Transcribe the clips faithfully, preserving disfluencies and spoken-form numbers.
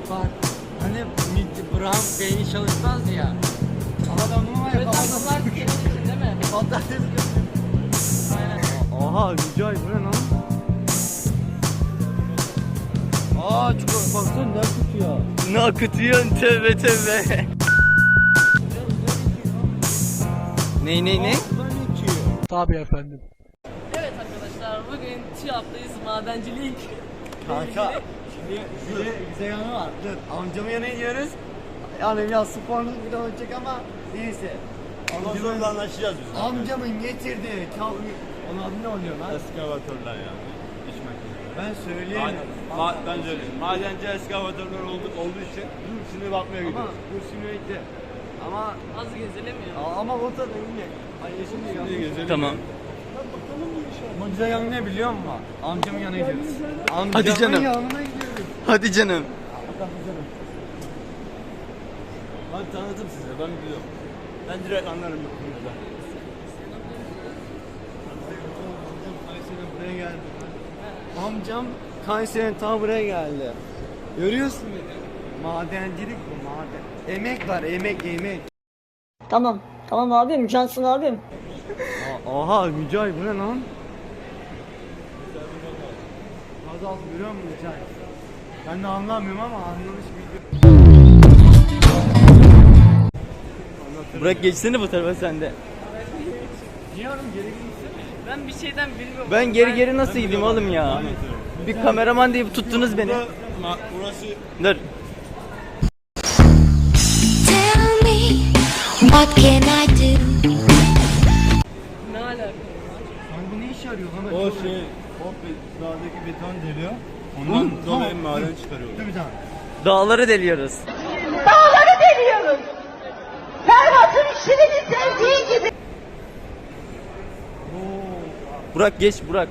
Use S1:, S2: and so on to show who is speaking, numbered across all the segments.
S1: Bak hani Brown beyni çalışmaz ya. Adamın var ya
S2: Evet,
S1: kafası
S2: bunlar senin için değil mi?
S1: patates.
S2: Aynen.
S1: Aha Mücahit bu ne lan? Aa çikolata baksana ne akıtıyor.
S3: Ne akıtıyorsun tövbe tövbe. Ney ney ney?
S1: Tabii efendim.
S2: Evet arkadaşlar, bugün TÜYAP'tayız, madencilik.
S1: Kanka şimdi şöyle güzel yanı var. Dur amcamın yanına gidiyoruz. Yani biraz sporlu bir de olacak ama neyse.
S4: Amcamın anlaşacağız biz.
S1: Amcamın getirdiği kavga... Onun adı ne oluyor lan?
S4: Eskavatörler yani. İş makineleri.
S1: Ben söyleyeyim.
S4: Ma ben söyleyeyim. Madenci eskavatörler olduğu, olduğu için şimdi bakmaya
S1: Ama
S4: gidiyoruz.
S1: bu simülatör. Ama
S2: Az gezelim ya.
S1: ama o da öyle. Ay şimdi
S4: Şimdi
S1: ya.
S4: gezelim.
S3: Tamam.
S1: Ama güzel yanı ne biliyor musun? Amcamın yanına gidiyoruz. Amcamın
S3: Hadi canım.
S1: yanına gidiyoruz.
S3: Hadi canım.
S4: Ben tanıdım size, ben biliyorum. Ben direkt anlarım bu konuda.
S1: Kayseri'den buraya geldi. Amcam Kayseri'den ta buraya geldi. Görüyorsun beni. Madencilik bu maden. Emek var emek emek.
S5: Tamam. Tamam abim. Cansın abim.
S1: Aha Mücahit bu ne lan? Az az görüyor musun Mücahit? Ben de anlamıyorum ama anlamış bir.
S3: Bırak geçsene bu tarafa sen de.
S1: Niye oğlum geri gitsene?
S2: Ben bir şeyden bilmiyorum.
S3: Ben geri geri nasıl gideyim oğlum ya? Bir kameraman deyip tuttunuz beni.
S4: Ma burası
S3: Dur.
S6: Tell me, what can I do?
S2: Ne alaka?
S1: Lan bu ne işe yarıyor lan?
S4: o şey, o be- dağdaki beton deliyor. Ondan dolayı maden çıkarıyorlar.
S1: Dur bir tane.
S3: Dağları deliyoruz.
S5: Dağları deliyoruz. Ferhat'ın şirini sevdiği gibi.
S3: Burak geç Burak.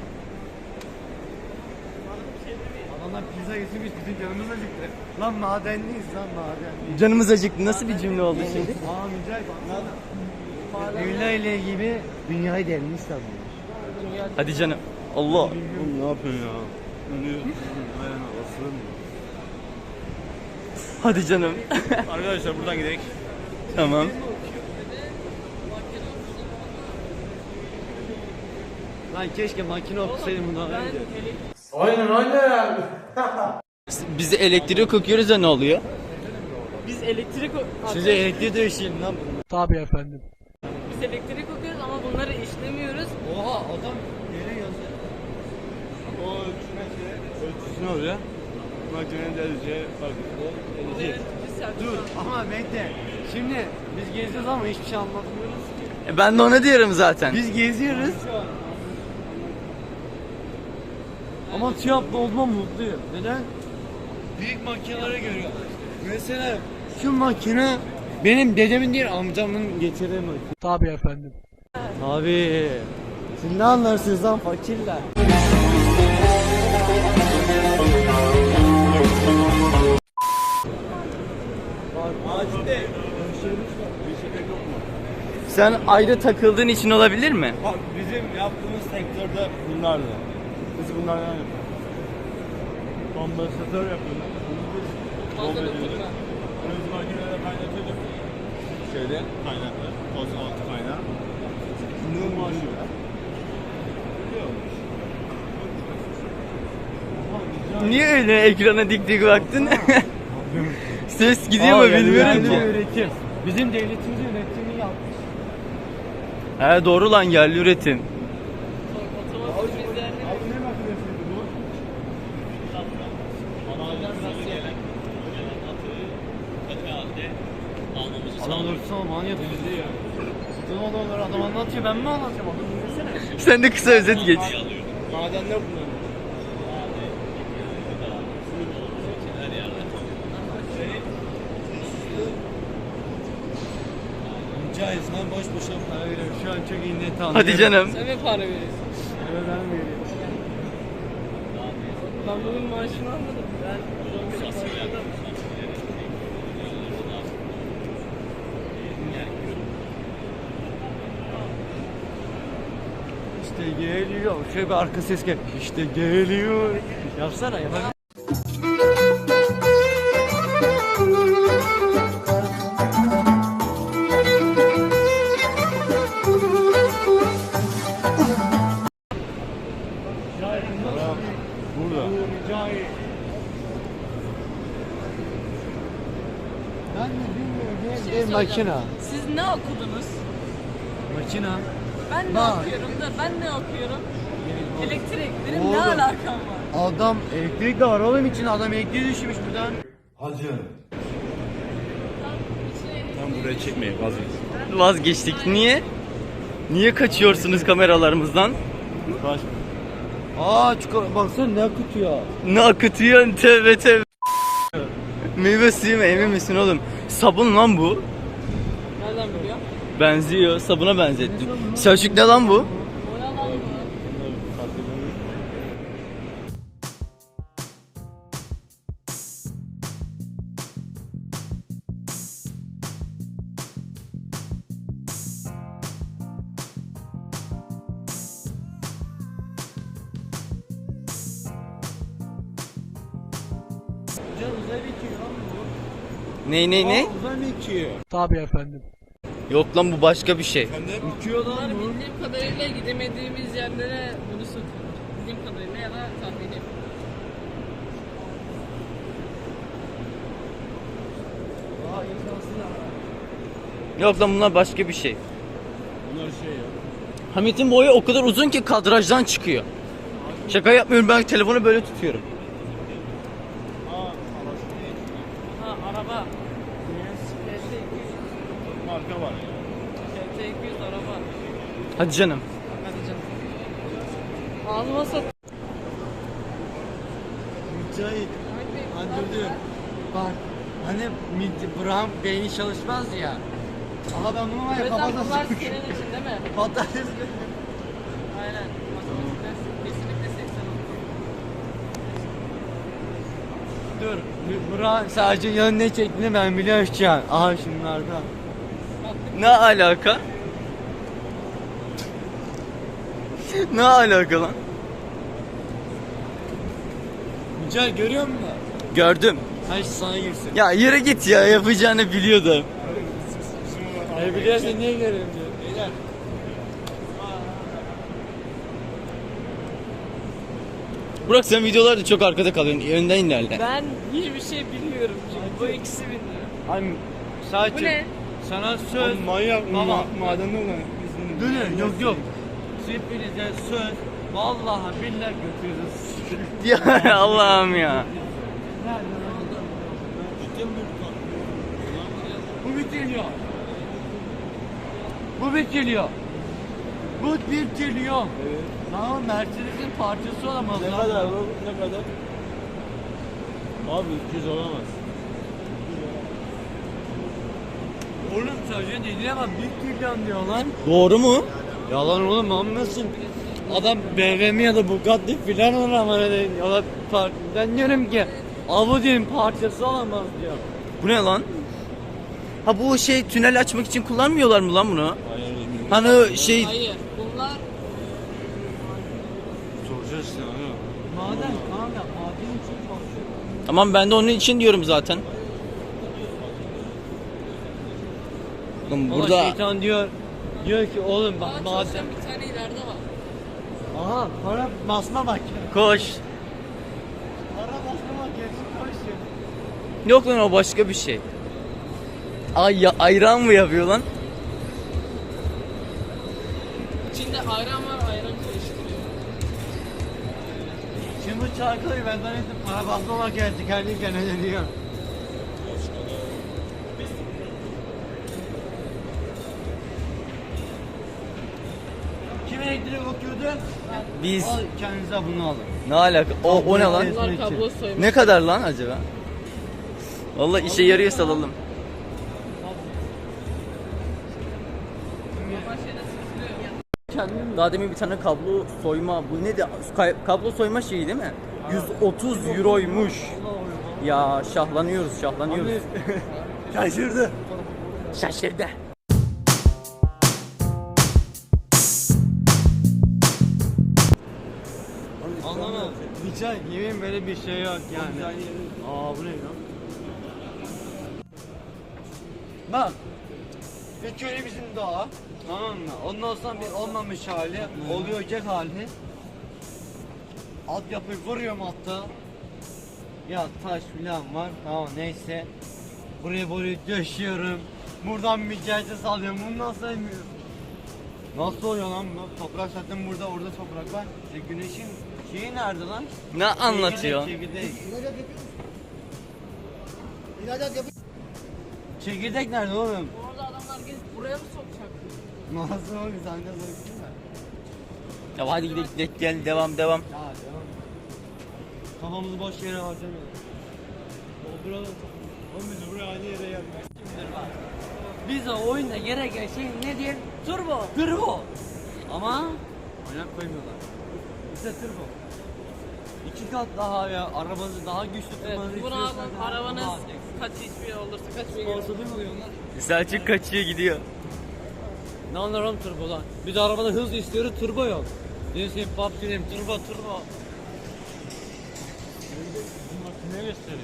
S1: Adamlar pizza getirmiş bizim canımız acıktı. Lan madenliyiz lan madenliyiz.
S3: Canımız acıktı. Nasıl bir cümle oldu şimdi?
S1: Aa Mücahit bak. Evla ile gibi dünyayı delmiş sanıyor.
S3: Hadi canım. Allah.
S4: Oğlum ne yapıyorsun ya? Önüyorsun, ayağına basılır mı?
S3: Hadi canım.
S4: Arkadaşlar buradan gidelim.
S3: Tamam.
S1: Lan keşke makine okusaydım bundan önce.
S3: Biz de elektrik okuyoruz da ne oluyor?
S2: Biz elektrik o-
S1: Size elektriği dövüşeyim lan. Tabii efendim.
S2: Biz elektrik okuyoruz ama bunları işlemiyoruz.
S1: Oha adam yere yazıyor.
S4: O ölçüne şey, ölçüsü ne oluyor? Makinenin deleceği farklı.
S2: Evet, biz servis
S1: Dur ama bekle. Şimdi biz geziyoruz ama hiçbir şey anlatmıyoruz ki.
S3: E ben de ona diyorum zaten.
S1: Biz geziyoruz. Ama TÜYAP'ta olma mutluyum. Neden? Büyük makineleri görüyorum. Mesela şu makine benim dedemin değil amcamın getirdiği makine. Tabii efendim. Tabii. Siz ne anlarsınız lan fakirler?
S4: Macide. Bir şey yok mu?
S3: Sen ayrı takıldığın için olabilir mi?
S4: Bak bizim yaptığımız sektörde bunlardı. Biz bunlardan yapıyoruz. Kompresatör yapıyoruz. Bunu biz
S2: Fazla
S4: dolduruyorduk.
S2: dokunma.
S4: Bunu biz makinede kaynatıyorduk. Şeyde kaynaklı. Toz altı kaynağı. Bunu maaşıyor.
S3: Niye öyle ekrana dik dik baktın? Ses gidiyor mu bilmiyorum ki.
S1: Üretim. Bizim devletimiz üretimi yapmış.
S3: He doğru lan yerli üretim.
S2: Otomatik bizler
S4: Ne makinesiydi bu?
S1: Adam dursun manyak bizde ya. Ne olur adam anlatıyor ben mi anlatacağım adam dinlesene.
S3: Sen de kısa özet geç.
S4: Madenler bunlar.
S1: Mücahit sen boş boşuna para veriyorum. Şu an çok iyi net anlıyorum.
S3: Hadi canım.
S2: sen mi para veriyorsun?
S1: Evet ben veriyorum.
S2: Ben bugün maaşını almadım. Ben bugün maaşını almadım.
S1: İşte geliyor. Şöyle bir arka ses gel. İşte geliyor. Yapsana yapalım. Ben de bilmiyorum.
S2: Bir
S1: Bir,
S2: şey
S1: bir
S2: soracağım.
S1: makina.
S2: Siz ne okudunuz?
S1: Makina.
S2: Ben ne
S1: Bak.
S2: okuyorum da ben ne okuyorum? Elektrik. Benim
S1: Oğlum.
S2: ne alakam var?
S1: Adam elektrik de var oğlum için adam elektriği düşmüş buradan.
S4: Tam buraya çekmeyin vazgeç.
S3: Vazgeçtik. Niye? Niye kaçıyorsunuz kameralarımızdan?
S4: Kaç.
S1: Aa çikolata baksana ne akıtıyor.
S3: Ne akıtıyorsun tövbe tövbe. Meyve suyu mu emin misin oğlum? Sabun lan bu.
S2: Nereden biliyor?
S3: Benziyor. Sabuna benzettim. Selçuk ne lan bu?
S2: O ne lan bu?
S1: Can uzay bitiyor lan bu.
S3: Ne ne ne?
S1: Aa, uzay bitiyor. Tabii efendim.
S3: Yok lan bu başka bir şey.
S1: Bitiyor lan
S2: Bunlar
S1: bu.
S2: bildiğim kadarıyla gidemediğimiz yerlere bunu satıyor. Bildiğim kadarıyla ya da tahminim.
S1: Aa imkansız ya.
S3: Yok lan bunlar başka bir şey.
S4: Bunlar şey ya.
S3: Hamit'in boyu o kadar uzun ki kadrajdan çıkıyor. Şaka yapmıyorum, ben telefonu böyle tutuyorum.
S2: Ha araba. K T iki yüz.
S4: Marka var ya.
S2: K T iki yüz araba.
S3: Hadi canım.
S2: Hadi canım. Ağzıma sat.
S1: Mücahit. Hadi dur. Bak. Hani mid- Burak'ın beyni çalışmaz ya. Aha ben bunu var ya
S2: Evet lan
S1: kafasına
S2: bunlar
S1: sıkışım.
S2: senin için değil mi?
S1: Patates
S2: Aynen. Matematikten kesinlikle seksen oldu.
S1: Dur. Burak sadece yanı ne çektiğini ben biliyorum şu an. Aha şunlarda.
S3: Ne alaka? Ne alaka lan?
S1: Mücahit görüyor musun?
S3: Gördüm.
S1: Her şey sana girsin.
S3: Ya yere git ya, yapacağını biliyordum.
S1: E biliyorsun niye görüyorum diyor. Beyler.
S3: Burak sen videolarda çok arkada kalıyorsun. Önden ilerle.
S2: Ben hiçbir şey bilmiyorum çünkü bu ikisi biliyor.
S1: Hani sadece
S2: Bu ne?
S1: sana söz.
S4: Manyak
S1: Baba.
S4: ma madende olan.
S1: Dönün yok yok. Hepinize söz. Vallahi billahi götürürüz.
S3: Ya Allah'ım ya.
S1: Bu bitiriyor. Bu bitiriyor. Bu bitiriyor. Evet. Tamam Mercedes'in parçası olamaz.
S4: Ne
S1: lan.
S4: kadar bu? Ne kadar? Abi iki yüz olamaz.
S1: Oğlum sözcüğün dediğine bak bir trilyon diyor lan.
S3: Doğru mu?
S1: Yalan oğlum anlasın. Adam B M W ya da Bugatti filan olur ama öyle ya da par- ben diyorum ki Audi'nin parçası olamaz diyor.
S3: Bu ne lan? Ha bu şey tünel açmak için kullanmıyorlar mı lan bunu? Hani o şey
S2: Hayır. Bunlar
S4: Soracağız işte abi.
S1: Maden kanka maden için çalışıyor.
S3: tamam, ben de onun için diyorum zaten. Oğlum
S1: Ama
S3: burada
S1: şeytan diyor diyor ki oğlum bak
S2: daha
S1: maden.
S2: çalışan bir tane ileride var.
S1: Aha para basma bak.
S3: koş.
S1: Para basma bak gerçi koş.
S3: Yok lan o başka bir şey. Ay ya, ayran mı yapıyor lan?
S2: İçinde ayran var, ayran karıştırıyor.
S1: Şimdi bu çarkıyı ben zannettim para basma bak gerçi kendi kendine diyor. Kim elektrik okuyordu?
S3: Biz
S1: Al kendinize bunu alın.
S3: ne alaka? O, o ne lan?
S2: Bunlar kablo soymuş.
S3: Ne kadar lan acaba? Vallahi işe yarıyor, salalım.
S1: Kendim
S3: Daha demin bir tane kablo soyma, bu ne de kablo soyma şeyi değil mi? yüz otuz euroymuş. Ya şahlanıyoruz, şahlanıyoruz.
S1: şaşırdı.
S3: Şaşırdı.
S1: Anlamadım. Rica yemin böyle bir şey yok yani. Aa bu ne lan? Bak. İlk önce bizim doğa. Tamam mı? Ondan sonra bir olmamış hali, oluyoracak hali. Altyapıyı vuruyorum hatta. Ya taş filan var. Tamam neyse. Buraya buraya döşüyorum. Buradan bir gelse sallıyorum. Bunu nasıl sevmiyorum? Nasıl oluyor lan bu? Toprak zaten burada, orada toprak var. E güneşin şeyi nerede lan?
S3: Ne anlatıyor?
S1: Çekirdek, çekirdek. Çekirdek nerede oğlum?
S2: Orada adamlar gezip buraya mı sokacak?
S1: Nasıl oğlum? Sen de sorsana.
S3: Ya hadi gidelim, gidelim gel devam devam.
S1: Ya devam. Kafamızı boş yere harcamayalım. Dolduralım. Oğlum biz buraya aynı yere geldik.
S2: Bize oyunda gereken şey nedir? Turbo.
S1: Turbo. Ama oynak koymuyorlar. İşte turbo. İki kat daha ya, arabanızı daha güçlü
S2: Evet,
S1: tutmanızı
S2: bunu
S1: istiyorsanız
S2: alın.
S1: daha-
S2: Arabanız
S1: daha-
S2: kaç hiçbir olursa kaç bir
S1: Sponsorlu mu oluyorlar?
S3: Selçuk kaçıyor gidiyor.
S1: Ne anlarım turbodan? Bir de arabada hız istiyoruz, turbo yok. Neyse pop diyeyim, turbo turbo. Ne gösteriyor?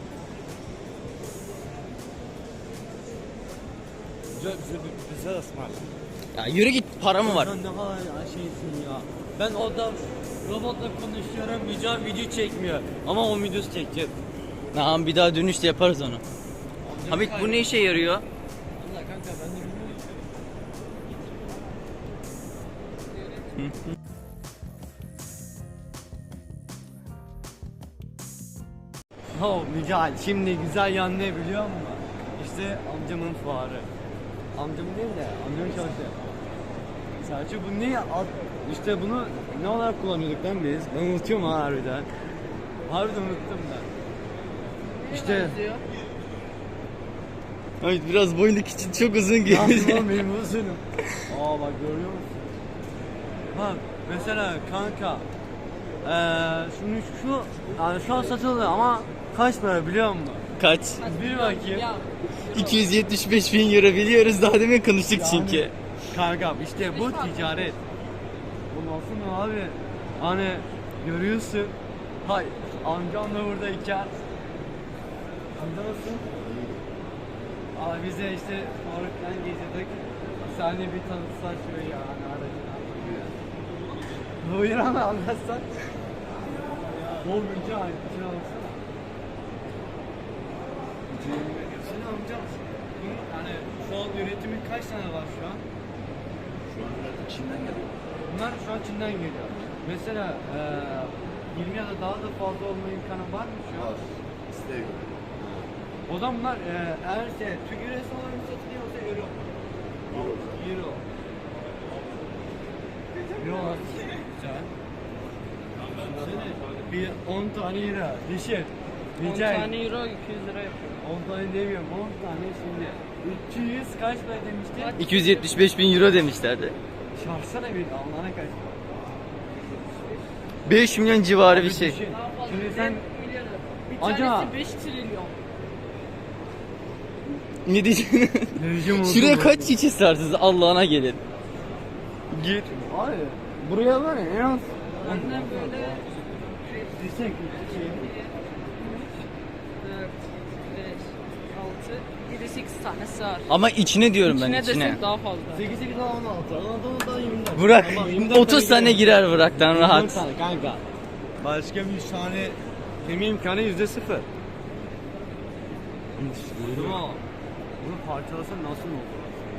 S1: Güzel güzel güzel asmar.
S3: Ya yürü git, para mı var?
S1: Sen ne kadar ya şeysin ya. Ben orada robotla konuşuyorum, Mücahit video çekmiyor. Ama o videosu çekecek.
S3: Tamam bir daha dönüşte yaparız onu. Hamit bu ne işe yarıyor?
S1: Allah kanka ben de bilmiyorum. Oh Mücahit, şimdi güzel yan ne biliyor musun? İşte amcamın fuarı. Amcamın değil de amcamın çalışıyor. Selçuk bu ne? Ad- İşte bunu ne olarak kullanıyorduk lan biz? Ben unutuyorum ha harbiden. Harbiden unuttum ben. İşte
S3: Hamit biraz boyundaki için çok uzun
S1: ne yapayım
S3: geliyor.
S1: oğlum benim uzunum. Aa bak görüyor musun? Bak mesela kanka eee şunu şu yani şu an satılıyor ama kaç para biliyor musun?
S3: Kaç?
S1: Bir bakayım.
S2: Ya
S3: iki yüz yetmiş beş bin euro biliyoruz, daha demin konuştuk çünkü.
S1: Kankam işte bu ticaret. Bu nasıl mı abi? Hani görüyorsun. Hay amcam da buradayken. Amca nasıl? Abi bize işte Faruk'tan geziyorduk. Sahne bir tanıtsan şöyle ya hani aracına. Buyur ama anlatsan. Bol bilgi ait bir şey alsana. Sen amcam. Yani şu an üretimin kaç tane var şu an?
S4: Şu an biraz içinden geliyor.
S1: Bunlar şu an Çin'den geliyor. Mesela eee yirmi ya da daha da fazla olma imkanı var mı şu an?
S4: Var. İsteğe göre.
S1: O zaman bunlar eee eğer şey Türk lirası olarak mı satılıyorsa euro.
S4: Euro.
S1: Euro. Euro. Güzel. Düşünsene, bir on tane euro. Düşün.
S2: on
S1: Rica
S2: tane euro iki yüz lira yapıyor.
S1: on tane demiyorum. on tane şimdi. üç yüz kaç para demiştin?
S3: iki yüz yetmiş beş bin euro demişlerdi.
S1: Çarpsana bir Allah'ına kaç.
S3: beş milyon civarı bir
S1: Abi
S3: şey.
S1: düşün.
S2: Daha fazla
S1: Şimdi
S2: bir
S1: sen
S2: milyarı. Bir
S1: Acaba-
S2: tanesi beş trilyon.
S3: Ne diyeceğim?
S1: Vereceğim
S3: Şuraya
S1: oldu.
S3: kaç kişi sığarsınız Allah'ına gelin. Git.
S1: Abi buraya var ya en az
S2: Annem böyle
S1: Yüksek şey.
S2: dört, beş, altı, yedi, sekiz tane sığar.
S3: Ama içine diyorum ben
S2: İçine
S3: içine.
S2: desek daha fazla.
S1: sekiz sekiz on altı. Anadolu'da yirmi dört.
S3: Burak
S1: Tamam, yirmi dört
S3: otuz tane girer Burak'tan
S1: yirmi dört
S3: rahat.
S1: tane kanka. Başka bir tane kemi imkanı yüzde sıfır. Ama bunu parçalasan nasıl olur?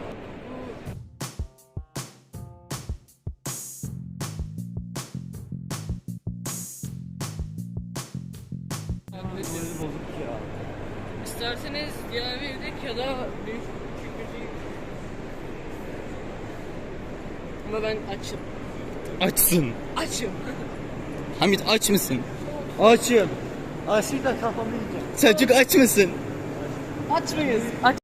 S2: Yaklaşık.
S1: Böyle bozuk ya.
S2: İsterseniz diğer bir evdeki ya da büyük küçük bir şey. Ama ben açım.
S3: Açsın.
S2: Açım.
S3: Hamit aç mısın?
S1: Açım. Açayım da kafamı yiyeceğim.
S3: Selçuk aç mısın?
S2: Aç mıyız? Aç